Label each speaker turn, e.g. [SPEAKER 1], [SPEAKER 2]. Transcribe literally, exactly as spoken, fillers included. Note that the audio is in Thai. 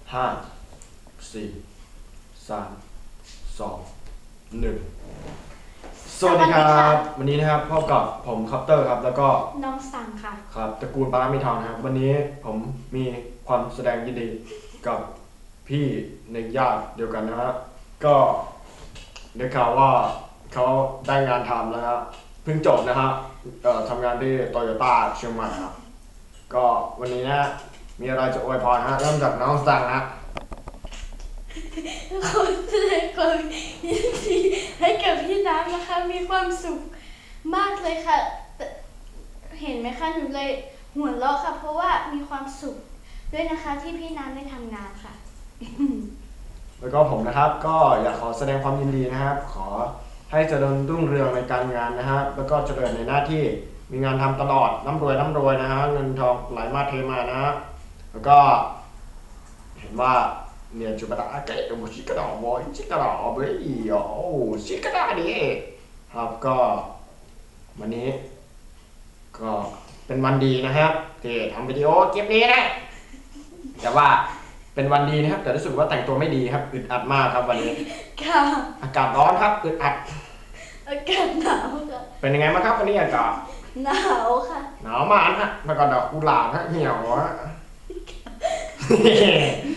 [SPEAKER 1] ห้าสี่สามสองหนึ่งสวัสดีครับวันนี้นะครับพบกับผมคัปเตอร์ครับแล้วก็
[SPEAKER 2] น้องสังค่ะ
[SPEAKER 1] ครับตระกูลปารามิทองนะครับวันนี้ผมมีความแสดงยินดีกับพี่ในญาติเดียวกันนะครับก็ได้ข่าวว่าเขาได้งานทำแล้วครับเพิ่งจบนะครับเอ่อทำงานที่โตโยต้าเชียงใหม่ครับก็วันนี้นะมีอะไรจะอวยพรฮะเริ่มจากน้องสังนะ
[SPEAKER 2] ขอแสดงความยินดีให้กับพี่น้ำนะคะมีความสุขมากเลยค่ะเห็นไหมคะหนูเลยหัวเราะค่ะเพราะว่ามีความสุขด้วยนะคะที่พี่น้ำได้ทำงานค่ะ
[SPEAKER 1] แล้วก็ผมนะครับก็อยากขอแสดงความยินดีนะครับขอให้เจริญรุ่งเรืองในการงานนะฮะแล้วก็เจริญในหน้าที่มีงานทำตลอดร่ำรวยร่ำรวยนะฮะเงินทองไหลมาเทมานะฮะแล้วก็เห็นว่าเนี่ยจุดประดาเกตบุชิกระดอกบอยชิกระดอกเบย์โอ้ชิกระดาดิครับก็วันนี้ก็เป็นวันดีนะครับที่ทำวิดีโอคลิปนี้นะแต่ว่าเป็นวันดีนะครับแต่รู้สึกว่าแต่งตัวไม่ดีครับอึดอัดมากครับวันนี้
[SPEAKER 2] ค่ะ
[SPEAKER 1] อากาศร้อนครับอึดอัด
[SPEAKER 2] อากาศหนาวค่ะ
[SPEAKER 1] เป็นยังไงบ้างครับวันนี้อากาศ
[SPEAKER 2] หนาวค่ะ
[SPEAKER 1] หนาวมากฮะแล้วก็ดอกกุหลาบฮะเหี่ยวฮะ